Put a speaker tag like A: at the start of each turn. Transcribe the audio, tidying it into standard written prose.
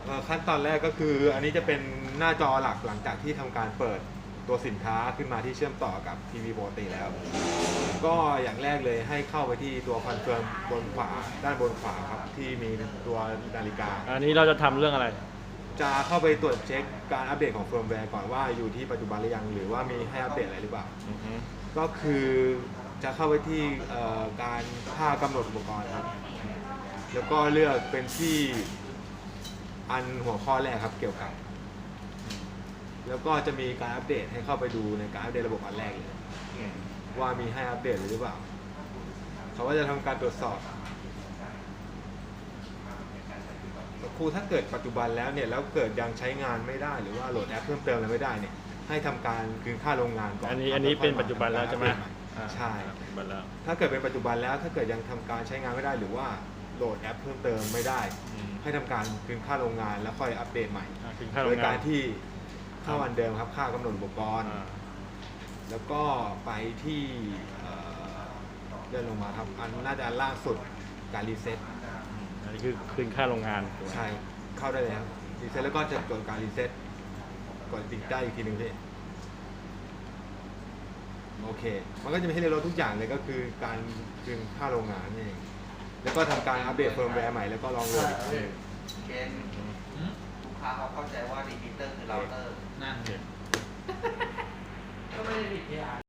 A: ขั้นตอนแรกก็คืออันนี้จะเป็นหน้าจอหลักหลังจากที่ทำการเปิดตัวสินค้าขึ้นมาที่เชื่อมต่อกับทีวีปกติแล้ว ก็อย่างแรกเลยให้เข้าไปที่ตัวคอนเฟิร์มบนขวาด้านบนขวาครับที่มีตัวนาฬิกา
B: อันนี้เราจะทำเรื่องอะไร
A: จะเข้าไปตรวจเช็คการอัปเดตของเฟิร์มแวร์ก่อนว่าอยู่ที่ปัจจุบันหรือยังหรือว่ามีให้อัปเดตอะไรหรือเปล่าก็คือจะเข้าไปที่การค่ากำหนดอุปกรณ์ครับแล้วก็เลือกเป็นที่อันหัวข้อแรกครับเกี่ยวกับแล้วก็จะมีการอัปเดตให้เข้าไปดูในการอัปเดตระบบอันแรกเลยว่ามีให้อัปเดตหรือเปล่าเขาก็จะทำการตรวจสอบครูถ้าเกิดปัจจุบันแล้วเนี่ยแล้วเกิดยังใช้งานไม่ได้หรือว่าโหลดแอปเพิ่มเติมอะไรไม่ได้เนี่ยให้ทำการคืนค่าโรงงานก่อน
B: อันนี้เป็นปัจจุบันแล้วใช่ไหม
A: ใช่ถ้าเกิดเป็นปัจจุบันแล้วถ้าเกิดยังทำการใช้งานไม่ได้หรือว่าโหลดแอปเพิ่มเติมไม่ได้ให้ทำการคืนค่าโรงงานแล้วค่อยอัปเดตใหม่โดยการที่ค่าวันเดิมครับค่ากำหนดอุปกรณ์แล้วก็ไปที่เลื่อนลงมาครับอันน่าจะล่างสุดการรีเซ็ต
B: อันนี้คือคืนค่าโรงงาน
A: ใช่เข้าได้เลยครับรีเซ็ตแล้วก็จะกดการรีเซ็ตกดติดได้อีกทีหนึ่งพี่โอเคมันก็จะมีให้เรียนรู้ทุกอย่างเลยก็คือการคืนค่าโรงงานนี่เองแล้วก็ทำการอัปเดตเฟิร์มแวร์ใหม่แล้วก็ลองโหลด
C: เกณฑ์ลูกค้าเขาเข้าใจว่ารีพิเตอร์คือเราเตอร์
D: นั่นก็ไม่ได้ผิดที่